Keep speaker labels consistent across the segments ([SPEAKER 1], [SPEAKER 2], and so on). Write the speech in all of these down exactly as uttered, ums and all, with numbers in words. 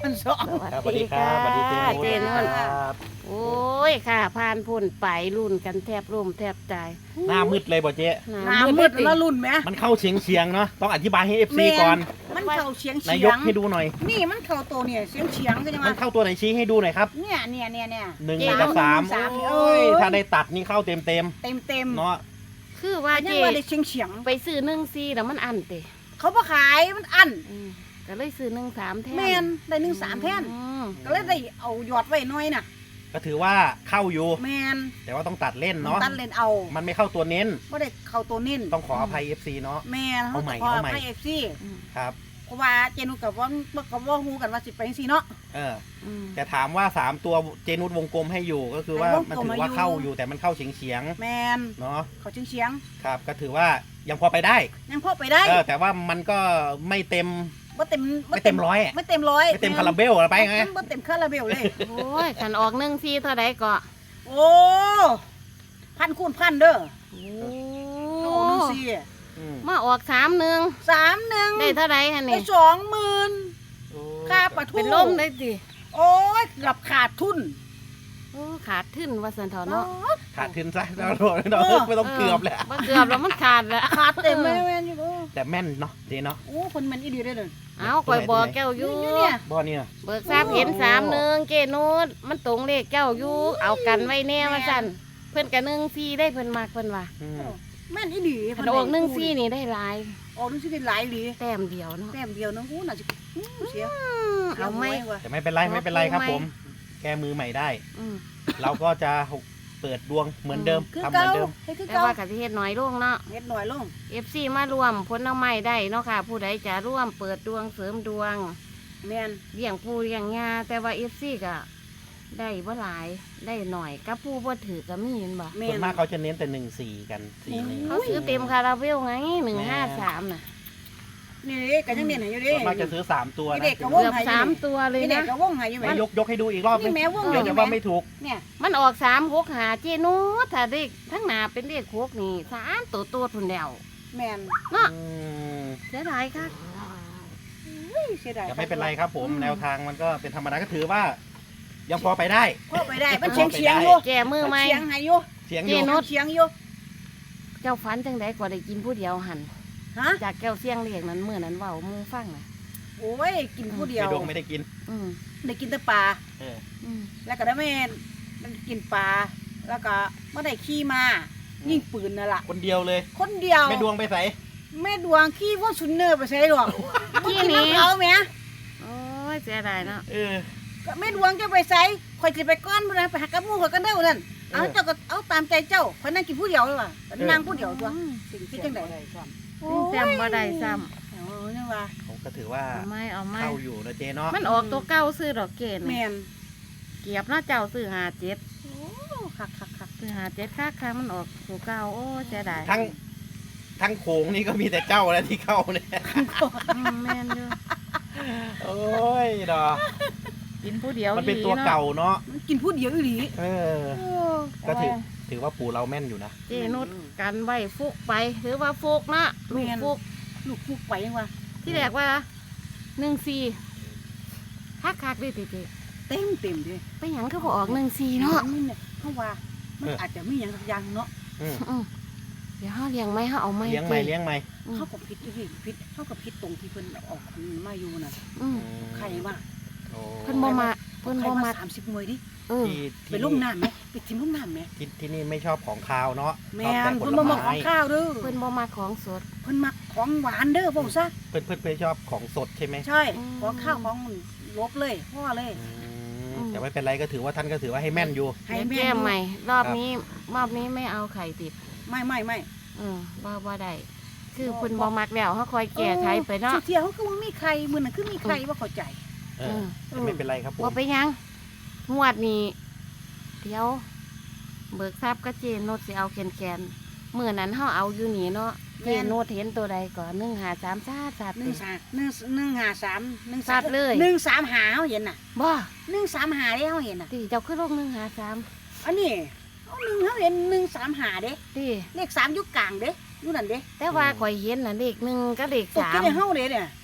[SPEAKER 1] พันสอง
[SPEAKER 2] ครับสวัสดีครับสวัสดีเจ
[SPEAKER 3] เจ
[SPEAKER 2] น
[SPEAKER 3] น
[SPEAKER 2] น
[SPEAKER 3] น
[SPEAKER 2] ครับ
[SPEAKER 3] โอ้ยค่ะผ่านพุ่นไปรุ่นกันแทบร่มแทบตาย
[SPEAKER 2] หน้ามืดเลยบ่เจ๊
[SPEAKER 1] น้ำมืดแล้วรุ่นไหม
[SPEAKER 2] มันเข้าเฉียงเฉียงๆเนาะต้องอธิบายให้ เอฟ ซี
[SPEAKER 1] แม่น
[SPEAKER 2] ก่อน
[SPEAKER 1] มันเข่าเฉียง
[SPEAKER 2] นาย
[SPEAKER 1] เฉีย
[SPEAKER 2] ก
[SPEAKER 1] ง
[SPEAKER 2] ให้ดูหน่อย
[SPEAKER 1] นี่มันเข่าตัวเนี่ยเฉียงเฉียงก็ยัง
[SPEAKER 2] มั
[SPEAKER 1] มาน
[SPEAKER 2] เข้าตัวไหนชี้ให้ดูหน่อยครับ
[SPEAKER 1] เนี่ยเนี่ยเนี่ยเนี่ย
[SPEAKER 2] หนึ่ง
[SPEAKER 3] เจ๊
[SPEAKER 2] กับสาม
[SPEAKER 1] สาม
[SPEAKER 2] โอ้ย
[SPEAKER 1] เอ้ย
[SPEAKER 2] ถ้าได้ตัดนี่เข้าเต็มเต็ม
[SPEAKER 1] เต็มเต็ม
[SPEAKER 2] ๆเนาะ
[SPEAKER 3] คือว่า
[SPEAKER 1] ยั
[SPEAKER 3] เจ
[SPEAKER 1] งว่าได้เฉียงเฉียง
[SPEAKER 3] ไปซื้อหนึ่งซีแล้วมันอันเตะ
[SPEAKER 1] เขาบ่ขายมันอัน
[SPEAKER 3] อืมก็เลยซื้อหนึ่งสามแทน
[SPEAKER 1] แมนได้หนึ่งสามแท่น
[SPEAKER 3] อืม
[SPEAKER 1] ก็เลยได้เอาหยอดไว้หน้อยน่ะ
[SPEAKER 2] ก็ถือว่าเข้าอยู่
[SPEAKER 1] แมน
[SPEAKER 2] แต่ว่าต้องตัดเล่นเนาะ
[SPEAKER 1] ตัดเลนเอา
[SPEAKER 2] มันไม่เข้าตัวเน้น
[SPEAKER 1] บ่ได้เข้าตัวนิ่น
[SPEAKER 2] ต้องขออภัย เอฟ ซี เนาะ
[SPEAKER 1] แมนเขา
[SPEAKER 2] เอาใหม่
[SPEAKER 1] ขอ
[SPEAKER 2] เอาใหม่
[SPEAKER 1] ให้เอฟซี
[SPEAKER 3] อืม
[SPEAKER 2] ครับ
[SPEAKER 1] เพราะว่าเจนุกับว่ากับว่าฮู้กันว่าสิไปจังซี่เนาะ
[SPEAKER 2] เออ
[SPEAKER 3] อืม
[SPEAKER 2] แต่ถามว่าสามตัวเจนุสวงกลมให้อยู่ก็คือว่า
[SPEAKER 1] ให้วง
[SPEAKER 2] มัน
[SPEAKER 1] กลม
[SPEAKER 2] ถือว่า
[SPEAKER 1] มาอยู่
[SPEAKER 2] เข้าอยู่แต่มันเข้าเฉียงเฉียง
[SPEAKER 1] แมน
[SPEAKER 2] ๆเนาะ
[SPEAKER 1] เขาเฉียงเฉียง
[SPEAKER 2] ครับ ก็ถือว่ายังพอไปได้
[SPEAKER 1] ยังพอไปได้
[SPEAKER 2] เออแต่ว่ามันก็ไม่เต็ม
[SPEAKER 1] บ่เต็ม
[SPEAKER 2] ไม่เต็มร้อยอะ
[SPEAKER 1] ไม่เต็มร้อย
[SPEAKER 2] ไม่เต็มคาราเบลอะไรไปไง
[SPEAKER 1] บ่เต็มคาราเบลเลย
[SPEAKER 3] โอ้ยขันออกหนึ่งซีเท่าใดก็
[SPEAKER 1] โอ้พันคูณพันเด้อ
[SPEAKER 3] โอ้
[SPEAKER 1] โอ้หนึ่งสี่
[SPEAKER 2] อืม
[SPEAKER 3] มาออกสามหนึ่ง
[SPEAKER 1] สามหนึ่ง
[SPEAKER 3] ได้เท่าใดฮะ
[SPEAKER 1] ได้
[SPEAKER 3] นี่
[SPEAKER 1] สองหมื่น
[SPEAKER 2] โอ้
[SPEAKER 1] ค่าปะทุ
[SPEAKER 3] เป็นลมได้สิ
[SPEAKER 1] โอ้ยเกือบขาดทุน
[SPEAKER 3] โอ้ขาดทึ้นว่าสันเถอะเนาะ
[SPEAKER 2] ขาดทุนซะเราเราไม่ต้องเกือบแหละ
[SPEAKER 3] บ่เกือบแล้วมันขาดแล้ว
[SPEAKER 1] ขาดเต็มเลยแม่นอยู่
[SPEAKER 2] แต่แม่นเนาะเจเนาะ
[SPEAKER 1] โอ้คนมันอีดีได้เลย
[SPEAKER 3] เอาคอยบอกแก้วอยู่
[SPEAKER 1] เนี่ย
[SPEAKER 2] บ่เนี่ย
[SPEAKER 3] เบิกทราบเห็นสามหนึ่งเจนูดมันตรงเลขเจ้าอยู่เอากันไว้แน่ว่าสั่นเพิ่นกับหนึ่งซีได้เพิ่นมากเพิ่นว่า
[SPEAKER 2] อืม
[SPEAKER 1] แม่นอีดี
[SPEAKER 3] พันออกหนึ่งซีนี่ได้หลาย
[SPEAKER 1] ออกหนึ่งสี่ได้หลายหลี
[SPEAKER 3] แต้มเดียวเนาะ
[SPEAKER 1] แต้มเดียวนึงอู้น่าจะอื้อเสีย
[SPEAKER 3] อืมเอาไหม
[SPEAKER 1] ว่ะ
[SPEAKER 2] แต่ไม่เป็นไรไม่เป็นไรครับผม แก้มือใหม่ได้
[SPEAKER 3] อืม
[SPEAKER 2] เราก็จะเปิดดวงเหมือนเดิม
[SPEAKER 1] คือ
[SPEAKER 2] ทำเหมื
[SPEAKER 1] เก่า
[SPEAKER 2] อนเดิม
[SPEAKER 1] เฮ็ดคือ
[SPEAKER 3] แต่
[SPEAKER 1] เก่า
[SPEAKER 3] ว่ากะสิเฮ็ดน้อยลงเนาะ
[SPEAKER 1] เฮ็ดหน่อยลง
[SPEAKER 3] เอฟซีมารวมผลเอาไม้ได้เนาะค่ะ ผู้ใดจะร่วมเปิดดวงเสริมดวง
[SPEAKER 1] แม่น
[SPEAKER 3] เลี้ยงปูเลี้ยงยาแต่ว่าเอฟซีก็ได้บ่หลายได้หน่อยกับผู้บ่ถือก็มีเห็นบ่
[SPEAKER 1] แม่
[SPEAKER 2] ส่วน
[SPEAKER 1] น
[SPEAKER 2] มากเขาจะเน้นแต่หนึ่งสี่กันสี่หนึ่ง
[SPEAKER 3] เขาซื้อเต็มคาราเบลไงหนึ่งห้าสามน่ะ
[SPEAKER 1] นี่เด้ก็ยังเน้นให้อยู่เด้
[SPEAKER 2] ส่วนมากจะซื้อสามตัว
[SPEAKER 1] นี่
[SPEAKER 2] นะ
[SPEAKER 1] เด็กกับว
[SPEAKER 3] เกือบสามตัวเลย
[SPEAKER 1] นี่เด็ก
[SPEAKER 3] นะ
[SPEAKER 1] ก็วงให้อยู่แม่
[SPEAKER 2] มายกยกให้ดูอีกรอบนึ
[SPEAKER 1] นี่
[SPEAKER 2] ง
[SPEAKER 1] แม่วง
[SPEAKER 2] เดี๋ยวจะว่าไม่ถูก
[SPEAKER 1] เนี่ย
[SPEAKER 3] มันออกสามหกหาเจนูถ้าเด็กทั้งหนาเป็นเลขหกนี่สามตัวตัวทุนแล้ว
[SPEAKER 1] แม่น
[SPEAKER 3] เนาะ
[SPEAKER 2] อืม
[SPEAKER 3] เสียดายค่ะ
[SPEAKER 1] อุ้ยเสียดาย
[SPEAKER 2] แต่ไม่เป็นไรครับผมแนวทางมันก็เป็นธรรมดาก็ถือว่า ยังพอไปได้
[SPEAKER 1] พอไปได้มันเฉียงเฉียงอยู่
[SPEAKER 3] แก้มือไหม
[SPEAKER 1] เฉียงให้อยู่
[SPEAKER 2] เสียงอ
[SPEAKER 3] เจ
[SPEAKER 2] ยู่
[SPEAKER 3] นุช
[SPEAKER 1] เฉียงอยู่
[SPEAKER 3] เจ้าฝันจังไดก็ได้กินผู้เดียวหัน
[SPEAKER 1] ฮะ
[SPEAKER 3] จากแก้วเสียงเรียกนั้นเมื่อนั้นเว้าหมูฟังน่ะ
[SPEAKER 1] โอ้ยกินผู้เดียว
[SPEAKER 2] ไม่ดงไม่ได้กิน
[SPEAKER 3] อืม
[SPEAKER 1] ได้กินแต่ปลา
[SPEAKER 2] เออ
[SPEAKER 3] อืม
[SPEAKER 1] แล้วก็ได้แม่มันกินปลาแล้วก็ไม่ได้ขี้มายิงปืนนั่นล่ะ
[SPEAKER 2] คนเดียวเลย
[SPEAKER 1] คนเดียว
[SPEAKER 2] ไม่ดวงไปใส่
[SPEAKER 1] แม่ดวงขี้ว่าชุนเนอร์ไปใช้หรอก
[SPEAKER 3] ขี้
[SPEAKER 1] กิน
[SPEAKER 3] หนี้
[SPEAKER 1] น้ำเขาแม่
[SPEAKER 3] โอ้ยเสียดายเนาะ
[SPEAKER 2] เออ
[SPEAKER 1] ก็แม่ดวงจะไปใช้คอยจะไปก้อนมันนะไปหากับหมูเขากันเด้อนั่นเอา
[SPEAKER 2] เออ
[SPEAKER 1] เจ้าก็เอาตามใจเจ้าคอยนั่งกินผู้เดียวเลยว่ะนั่งผู้เดียวตัว
[SPEAKER 3] อืม
[SPEAKER 1] สิ่งที่จังไดโอ้
[SPEAKER 3] แซมบ่ได้ซ้
[SPEAKER 1] โอ้ยนี่ว่า
[SPEAKER 2] ผมก็ถือว่า
[SPEAKER 3] ำเอาไหม่เอาไหม่
[SPEAKER 2] เข้าอยู่นะเจเนาะ
[SPEAKER 3] มันออกตัวเก้าซื้อดอกเกด
[SPEAKER 1] แม่
[SPEAKER 3] นี่
[SPEAKER 1] น
[SPEAKER 3] เกียบเนาะเจ้าซื้อหาเจ็ด
[SPEAKER 1] โอ้คักคักคัก
[SPEAKER 3] ซื้อหาเจ็ดค่าค่ามันออกตัวเก้าโอ้เสียดาย
[SPEAKER 2] ทั้งทั้งโขงนี่ก็มีแต่เจ้าแล้วที่เข้าเนี่ย
[SPEAKER 3] อืมแม่นอยู่
[SPEAKER 2] โอ้ยดอ
[SPEAKER 3] กินผู้เดียว
[SPEAKER 2] มันเป็น
[SPEAKER 3] ดี
[SPEAKER 2] ตัว
[SPEAKER 3] อะ
[SPEAKER 2] เก่าเนาะ
[SPEAKER 1] มันกินผู้เดียวอีหลี
[SPEAKER 2] เออ
[SPEAKER 1] โอ้
[SPEAKER 2] ก็ถือถือว่าปู่เราแม่นอยู่นะ
[SPEAKER 3] เจนุดกันไว้ฟุกไปถือว่าฟุกนะลูกฟุก
[SPEAKER 1] ลูกฟุกไปยังวะ
[SPEAKER 3] ที่แรกว่าหนึ่งสี่คักคักๆดิติติ
[SPEAKER 1] เต็มเต็มเลย
[SPEAKER 3] ไปหยังก็บออกหนึ่งสี่เนาะ
[SPEAKER 1] นี่เนี่ยเพราะว่ามันอาจจะมีอย่างสักอย่างเนาะ
[SPEAKER 2] อืม
[SPEAKER 3] อืมเดี๋ยวเขาเลี้ยงไหมเขาเอาไหม
[SPEAKER 2] เลี้ยงไหมเลี้ยงไหม
[SPEAKER 3] อืม
[SPEAKER 1] เขากับพิษอีกพิษเขากับพิษตรงที่เพิ่นออกมาอยู่น่ะ
[SPEAKER 3] อืม
[SPEAKER 1] ใครว่า
[SPEAKER 2] โอ้
[SPEAKER 3] เพิ่นบ่มาเพิ่น
[SPEAKER 1] ใคร
[SPEAKER 3] บ่
[SPEAKER 1] ว่า
[SPEAKER 3] มา
[SPEAKER 1] สามสิบมวยดิ
[SPEAKER 3] เออ
[SPEAKER 2] ที่
[SPEAKER 1] ไป
[SPEAKER 2] ที่
[SPEAKER 1] ลุ่ม
[SPEAKER 2] นี่
[SPEAKER 1] น้ำไหมไปทิมลุ่มน้ำไหม
[SPEAKER 2] ที่ที่นี่ไม่ชอบของคาวเนาะ
[SPEAKER 1] แม่
[SPEAKER 2] ชอบ
[SPEAKER 1] น
[SPEAKER 2] แต่ผ
[SPEAKER 1] เพิ่น
[SPEAKER 2] ล
[SPEAKER 1] บ่มาข
[SPEAKER 2] ไม้
[SPEAKER 1] องข้าวเด้อ
[SPEAKER 3] เพิ่นบ่มาของสด
[SPEAKER 1] เพิ่นมักของหวานเด้อพ่อซะ
[SPEAKER 2] เพื่อนเพื่อนเพื่อนชอบของสดใช่ไหม
[SPEAKER 1] ใช่
[SPEAKER 3] อืม
[SPEAKER 1] ของข้าวของลบเลยพ่อเลย
[SPEAKER 2] อื
[SPEAKER 3] อื
[SPEAKER 2] ม
[SPEAKER 3] ม
[SPEAKER 2] แต่ไม่เป็นไรก็ถือว่าท่านก็ถือว่าให้แม่นอยู่
[SPEAKER 1] ให้
[SPEAKER 3] เดี๋ยว
[SPEAKER 1] แม่
[SPEAKER 3] แก้มใหม่ รอบ
[SPEAKER 2] ครับ
[SPEAKER 3] นี้รอบนี้ไม่เอาไข่ติด
[SPEAKER 1] ไม่ไม่ไม่
[SPEAKER 3] เออบ่บ่ได้คือเพิ่นบ่มักแล้วเขาคอยแก้ไขไปเนาะ
[SPEAKER 1] เที่ยวเขาคือว่ามีใครมื้อนั้นคือมีใครว่าเข้าใจ
[SPEAKER 2] เออแต่ไม่เป็นไรครับผม
[SPEAKER 3] ว่าไปยังงวดนี้เดี๋ยว เบิกทรัพย์ก็เจนโนดสิเอาแคนแคนเมื่อนั้นเขาเอาอยู่นี่เนาะเจนโนดเห็นตัวใดก่อนหนึ่งหาสามซาซาด
[SPEAKER 1] หนึ่งสามหนึ่งหนึ่งห้าสามหนึ่ง
[SPEAKER 3] สัตว์เลย
[SPEAKER 1] หนึ่งสามหาเขาเห็นน่ะ
[SPEAKER 3] บ่
[SPEAKER 1] หนึ่งสามหาได้เขาเห็นน่ะ
[SPEAKER 3] ตีเจ้าขึ้นลงหนึ่งหาสาม
[SPEAKER 1] อันนี้เอาหนึ่งเขาเห็นหนึ่งสามหาเด้
[SPEAKER 3] ตี
[SPEAKER 1] เลขสามอยุกกลางเด้อยู่นั่นเด้
[SPEAKER 3] แต่ว่าข่อยเห็นน่ะเลขหนึ่งก็เลข
[SPEAKER 1] ตก
[SPEAKER 3] สา
[SPEAKER 1] ที่
[SPEAKER 3] ม
[SPEAKER 1] ในเฮาเด้เนี่ย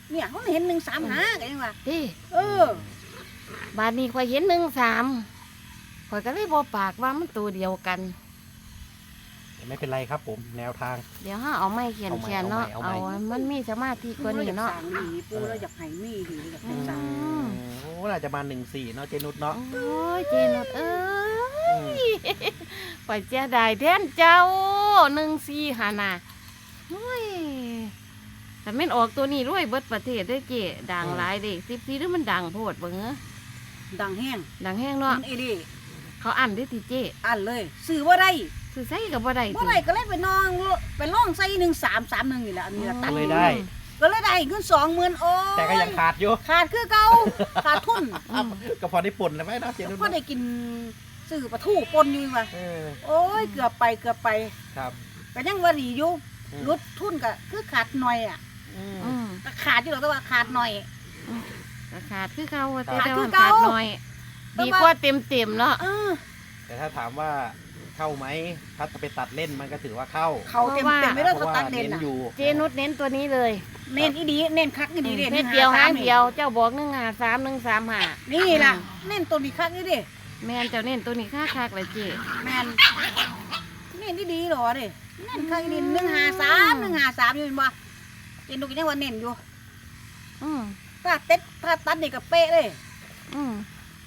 [SPEAKER 1] เนี่ยเขาเห็นหนึ่งสามหากันยังวะ
[SPEAKER 3] เด้
[SPEAKER 1] เออ
[SPEAKER 3] บาดนี้ข่อยเห็นหนึ่งสามข่อยก็เลยบ่ปากว่ามันตัวเดียวกัน
[SPEAKER 2] ไม่เป็นไรครับผมแนวทาง
[SPEAKER 3] เดี๋ยวห้าเอาไม้เขียน
[SPEAKER 2] เอาไม้
[SPEAKER 3] เขียนเนาะ
[SPEAKER 2] เอา
[SPEAKER 3] เอา
[SPEAKER 2] ไม้
[SPEAKER 3] มันมีสมาธิกว่านี้เนาะ
[SPEAKER 1] ปูรอยกสั่งดีปูเราอยากให้มีดีอยากให้สั่ง
[SPEAKER 3] อืม
[SPEAKER 2] โอ้น่าจะมาหนึ่งสี่เนาะเจนุชเนาะ
[SPEAKER 3] โอ้ยเจนุดเอ้
[SPEAKER 2] อืม
[SPEAKER 3] ยข่อยเจ้าได้แทนเจ้าหนึ่งสี่หานาโอ้ยแต่แม่นออกตัวนี้รวยเบิดประเทศได้อเจดังหลายเด็กสิบสี่หรือมันดังโพดเบิ่งเอ้อ
[SPEAKER 1] ดังแห้ง
[SPEAKER 3] ดังแห้งเนาะ
[SPEAKER 1] มันเอเดี
[SPEAKER 3] เขาอ่านได้ทีเจ
[SPEAKER 1] อันเลยซื้อว่าได้
[SPEAKER 3] ซื้อใส่กับบ่ได้
[SPEAKER 1] บ่ได้ก็เลยไปนองไปล่องใส่หนึ่งสามสามหนึ่งนี่แหละอันนี้ละตัด
[SPEAKER 2] เลยได้
[SPEAKER 1] ก็เลยได้เงินสองหมื่นโอ้ย
[SPEAKER 2] แต่ก็ยังขาดอยู่
[SPEAKER 1] ขาดคือเก่าขาดทุน
[SPEAKER 3] อืม
[SPEAKER 2] ก็พอได้ปุ่นแล้วไหมเนาะเจนุช
[SPEAKER 1] ก็
[SPEAKER 2] เนาะ
[SPEAKER 1] ได้กินซื้อปลาทูปนอยู่ว่ะ
[SPEAKER 2] เออ
[SPEAKER 1] โอ้ยเกือบไปเกือบไป
[SPEAKER 2] ครับ
[SPEAKER 1] ก็ยังว่าดีอยู่
[SPEAKER 2] อืม
[SPEAKER 1] ลดทุนก็คือขาดหน่อยอ่ะ
[SPEAKER 2] อืม
[SPEAKER 3] อืม
[SPEAKER 1] ก็ขาดอยู่หรอกแต่ว่าขาดหน่อย
[SPEAKER 3] ก็ขาดคือเขาแต่
[SPEAKER 1] ขาด
[SPEAKER 3] แต่
[SPEAKER 1] คื
[SPEAKER 3] ว่า
[SPEAKER 1] อเก่า
[SPEAKER 3] ขาดหน่อย
[SPEAKER 1] แต่
[SPEAKER 3] ดี
[SPEAKER 1] ว่า
[SPEAKER 3] กว่าเต็มเต็มๆเนาะ
[SPEAKER 1] เออ
[SPEAKER 2] แต่ถ้าถามว่าเข้าไหมถ้าจะไปตัดเล่นมันก็ถือว่าเข้า
[SPEAKER 1] เขาเต็มเต็มไม่ได้
[SPEAKER 2] เพ
[SPEAKER 1] เขา
[SPEAKER 2] ราะว่า
[SPEAKER 1] ตัดเด่
[SPEAKER 2] เน้
[SPEAKER 1] น
[SPEAKER 2] น
[SPEAKER 1] อ่ะ
[SPEAKER 2] อยู่
[SPEAKER 3] เจนุดเน้นตัวนี้เลย
[SPEAKER 1] เน้นอีดีเน้นคักอีดีเด่น
[SPEAKER 3] เม็ดเดียวหางเดียวเจ้าบอกหนึ่งหาสามหนึ่งสามหา
[SPEAKER 1] นี่ล่ะเน้นตัวนี้คักอีดิ
[SPEAKER 3] แม่นเจ้าเน้นตัวนี้ค่าคักเลยเจ
[SPEAKER 1] แมนเน้นอีดีหรอเด้เน้นคักอีดีหนึ่งหาสามหนึ่งหาสามอยู่เห็นบ่เจนดูกันยังว่าเน้นอยู่
[SPEAKER 3] อืม
[SPEAKER 1] ถ้าเต็ดถ้าตัดนี่ก็เป๊ะเลย
[SPEAKER 3] อืม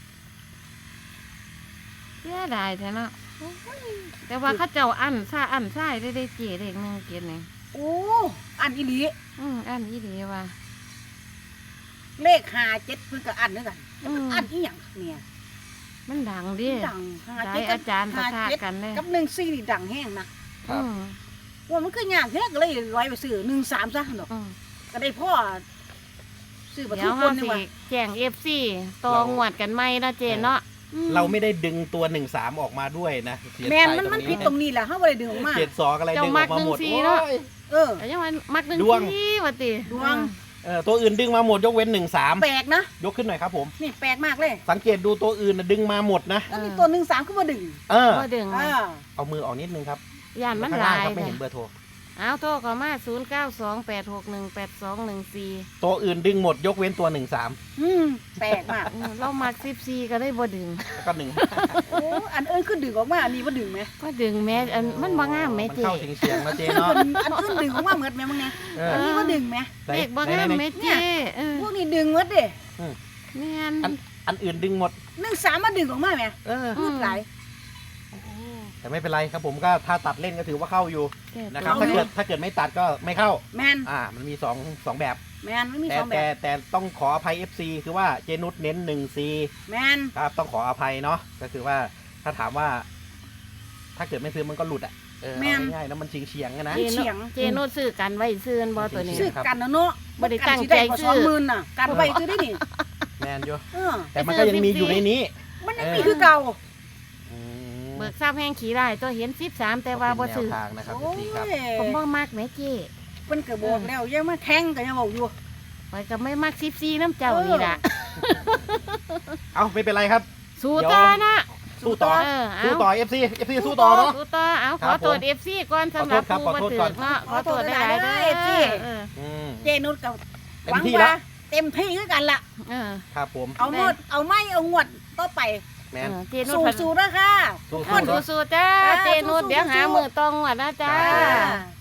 [SPEAKER 3] เสียดายแท้เนาะแต่ว่าเข้าเจ้าอันซ่าอันซ่ายได้ได้เจเด็กหนึ่งเกียรนี่
[SPEAKER 1] โอ้อันอีหลี
[SPEAKER 3] อืมอันอีดีว่า
[SPEAKER 1] เลขห้าเจ็ดเพิ่นก็อันด้วยกัน
[SPEAKER 3] อืม
[SPEAKER 1] อันอีหยังเนี่ย
[SPEAKER 3] มันดังดิ
[SPEAKER 1] ดังห้า
[SPEAKER 3] หลา
[SPEAKER 1] เจ็
[SPEAKER 3] ย
[SPEAKER 1] ดกั
[SPEAKER 3] อาจารย์ประ
[SPEAKER 1] ห้า
[SPEAKER 3] ทะ
[SPEAKER 1] เจ็ด
[SPEAKER 3] กันเลย
[SPEAKER 1] กับหนึ่งสี่นี่ดังแห้งนะ
[SPEAKER 2] ครั
[SPEAKER 3] อื
[SPEAKER 2] บ
[SPEAKER 3] ม
[SPEAKER 1] ว่ามันคือยากแท้ก็เลยร้อยไปซื้อหนึ่งสามซะหนอก
[SPEAKER 3] อืม
[SPEAKER 1] ก็ได้พ่อซื้อประ
[SPEAKER 3] เดี๋
[SPEAKER 1] ตู
[SPEAKER 3] ยว
[SPEAKER 1] ค
[SPEAKER 3] เขา
[SPEAKER 1] นนี่
[SPEAKER 3] สิ
[SPEAKER 1] ว่า
[SPEAKER 3] แจ้งเอฟซีตองหวดกันไหมนะเจเนาะ
[SPEAKER 1] อืม
[SPEAKER 2] เราไม่ได้ดึงตัวหนึ่งสามออกมาด้วยนะเสีย
[SPEAKER 1] แมน
[SPEAKER 2] ใจ
[SPEAKER 1] มันมัน
[SPEAKER 2] ตรง
[SPEAKER 1] ผิดตรงนี้แหละเฮาบ่ได้ดึงออกมา
[SPEAKER 2] เจ็ดสองอะไรดึงออกมาหมด
[SPEAKER 3] เจ้ามักหนึ่งสี่
[SPEAKER 2] โอ้
[SPEAKER 3] เนาะ
[SPEAKER 2] ย
[SPEAKER 1] เออ
[SPEAKER 3] แต่ยังว่ามักหนึ่ง
[SPEAKER 2] ดวง
[SPEAKER 3] ทีว่าติ
[SPEAKER 1] ดวง
[SPEAKER 2] เออตัวอื่นดึงมาหมดยกเว้นหนึ่งสาม
[SPEAKER 1] แปลกนะ
[SPEAKER 2] ยกขึ้นหน่อยครับผม
[SPEAKER 1] นี่แปลกมากเลย
[SPEAKER 2] สังเกตดูตัวอื่นนะดึงมาหมดนะ
[SPEAKER 1] แล้วมีตัวหนึ่งสามก็มาดึง
[SPEAKER 2] เออ
[SPEAKER 3] บ่ดึง
[SPEAKER 1] อ่า
[SPEAKER 2] เอามือออกนิดนึงครับ
[SPEAKER 3] ย่านมัน
[SPEAKER 2] ข้าง
[SPEAKER 3] ห
[SPEAKER 2] ล่า
[SPEAKER 3] ลาง ย
[SPEAKER 2] ครับไม่
[SPEAKER 3] นะ
[SPEAKER 2] เห็นเบอร์โทร
[SPEAKER 3] เอาโทรเข้ามาศูนย์เก้าสองแปดหกหนึ่งแปดสองหนึ่งสี่
[SPEAKER 2] ตัวอื่นดึงหมดยกเว้นตัวหนึ่งสาม
[SPEAKER 1] อืมแปลกมาก
[SPEAKER 3] เรามักสิบสี่ก็ได้บ่ดึง
[SPEAKER 2] แล้วก็หนึ่ง
[SPEAKER 1] โอ้อันเอิ้นคือดึงออกมาอันนี้บ่ดึงไหม
[SPEAKER 3] ก็ดึงแม่อันมันบ่งามแม่
[SPEAKER 2] มัน
[SPEAKER 3] เจ
[SPEAKER 2] เข้าเฉียงเฉียงๆนะเจเนาะ
[SPEAKER 1] อันอันอื่นดึงออกมาเหมือนแม่มึงไง
[SPEAKER 2] เอ
[SPEAKER 1] อัน
[SPEAKER 2] อ
[SPEAKER 1] นี้บ่ดึงไหม
[SPEAKER 2] ไหน
[SPEAKER 3] เด็กบ่
[SPEAKER 2] ไหน
[SPEAKER 3] งาม
[SPEAKER 2] ไหน
[SPEAKER 3] แม่เจเออ
[SPEAKER 1] พวกนี้ดึงหมดเด้
[SPEAKER 3] แม่น
[SPEAKER 2] อันอันอื่นดึงหมด
[SPEAKER 1] หนึ่งสามมาดึงออกมาไหม
[SPEAKER 2] เออ
[SPEAKER 1] พูดหลาย
[SPEAKER 2] แต่ไม่เป็นไรครับผมก็ถ้าตัดเล่นก็ถือว่าเข้าอยู่
[SPEAKER 3] แก้
[SPEAKER 2] นะครับ
[SPEAKER 3] ตัว
[SPEAKER 2] ถ้าเกิดถ้าเกิดไม่ตัดก็ไม่เข้า
[SPEAKER 1] แมน
[SPEAKER 2] อ่า มันมีสองสองแบบ
[SPEAKER 1] แมนไม่มี
[SPEAKER 2] แต่
[SPEAKER 1] สองแบ
[SPEAKER 2] แต่
[SPEAKER 1] บ
[SPEAKER 2] แต่ต้องขออภัย เอฟ ซี คือว่าเจนุสเน้นหนึ่งซี
[SPEAKER 1] แมน
[SPEAKER 2] ครับต้องขออภัยเนาะก็คือว่าถ้าถามว่า ถ้าเกิดไม่ซื้อมันก็หลุดอ่ะเออเอาง่ายๆแล้วมันเฉียงเฉียงๆอะนะ
[SPEAKER 3] เจโนเจโนซื้อกันไว้ซื้อบ่ตัวนี้
[SPEAKER 1] ซื้อกันนะเนาะ
[SPEAKER 3] บ่ได้ตั้งใจ
[SPEAKER 1] กันสิ
[SPEAKER 3] ซื้อ
[SPEAKER 1] ได้กว่าสองหมื่นน่ะกันไว้ซื้อได้นี่
[SPEAKER 2] แมนอยู่
[SPEAKER 1] เออ
[SPEAKER 2] แต่มันก็ยังมีอยู่ในนี้
[SPEAKER 1] มันยังมีคือเก่า
[SPEAKER 2] อืม
[SPEAKER 3] เบิกทราบแห้งขี่ได้ตัวเห็นสิบสามแต่ว่าบ่
[SPEAKER 2] เป็นแน
[SPEAKER 3] ซื้อ
[SPEAKER 2] วทางนะครับ
[SPEAKER 1] โอ้
[SPEAKER 2] พี่ครับ
[SPEAKER 1] ย
[SPEAKER 3] ผมบ่มักแม่เจ
[SPEAKER 1] เพิ่นก็บอกแล้วยังมาแข่งก็ยังบอกอยู่
[SPEAKER 3] ไปก็ไม่มักสิบสี่น้ำเจ้านี่ล่ะ
[SPEAKER 2] เอาไม่เป็นไรครับ
[SPEAKER 3] สู้ต่อนะ
[SPEAKER 2] สู้ต่อ
[SPEAKER 3] เออเอา
[SPEAKER 2] สู้ต่อ เอฟ ซี เอฟ ซี สู้ต่อเนาะ
[SPEAKER 3] สู้ต่อเอา
[SPEAKER 2] ค
[SPEAKER 3] ข
[SPEAKER 2] รั
[SPEAKER 3] อบ ตรวจ
[SPEAKER 2] ผม
[SPEAKER 3] เอฟซีก่อนสำหรับ
[SPEAKER 2] ขอ
[SPEAKER 3] ผู้
[SPEAKER 2] โท
[SPEAKER 3] บ่
[SPEAKER 2] ษ
[SPEAKER 3] ถื
[SPEAKER 2] ครั
[SPEAKER 3] อบ
[SPEAKER 2] ขอโทษก่อน
[SPEAKER 3] เนาะขอตรวจได้หลายๆเด้อเออ
[SPEAKER 2] อืม
[SPEAKER 1] เจนุชกับ
[SPEAKER 2] เต็
[SPEAKER 1] ห
[SPEAKER 2] ม
[SPEAKER 1] วัง
[SPEAKER 2] ที่
[SPEAKER 1] ว่า
[SPEAKER 2] ละ
[SPEAKER 1] เต็มที่คือกันล่ะ
[SPEAKER 3] เออ
[SPEAKER 2] ครับผม
[SPEAKER 1] เอาหมดเอาไม่เอางวดต่อไป
[SPEAKER 2] แมน
[SPEAKER 3] เออเจนุ
[SPEAKER 1] สู้
[SPEAKER 3] ช
[SPEAKER 1] สู้ๆนะค่ะ
[SPEAKER 2] สู้
[SPEAKER 3] คน
[SPEAKER 2] ๆเนาะ
[SPEAKER 3] สู้ๆจ้า
[SPEAKER 1] จ้า
[SPEAKER 3] เจนุช
[SPEAKER 1] สู้ๆ
[SPEAKER 3] เดี๋ยวหา
[SPEAKER 1] สู้ๆ
[SPEAKER 3] มือตองว่ะนะจ้า
[SPEAKER 2] จ้า
[SPEAKER 1] จ้า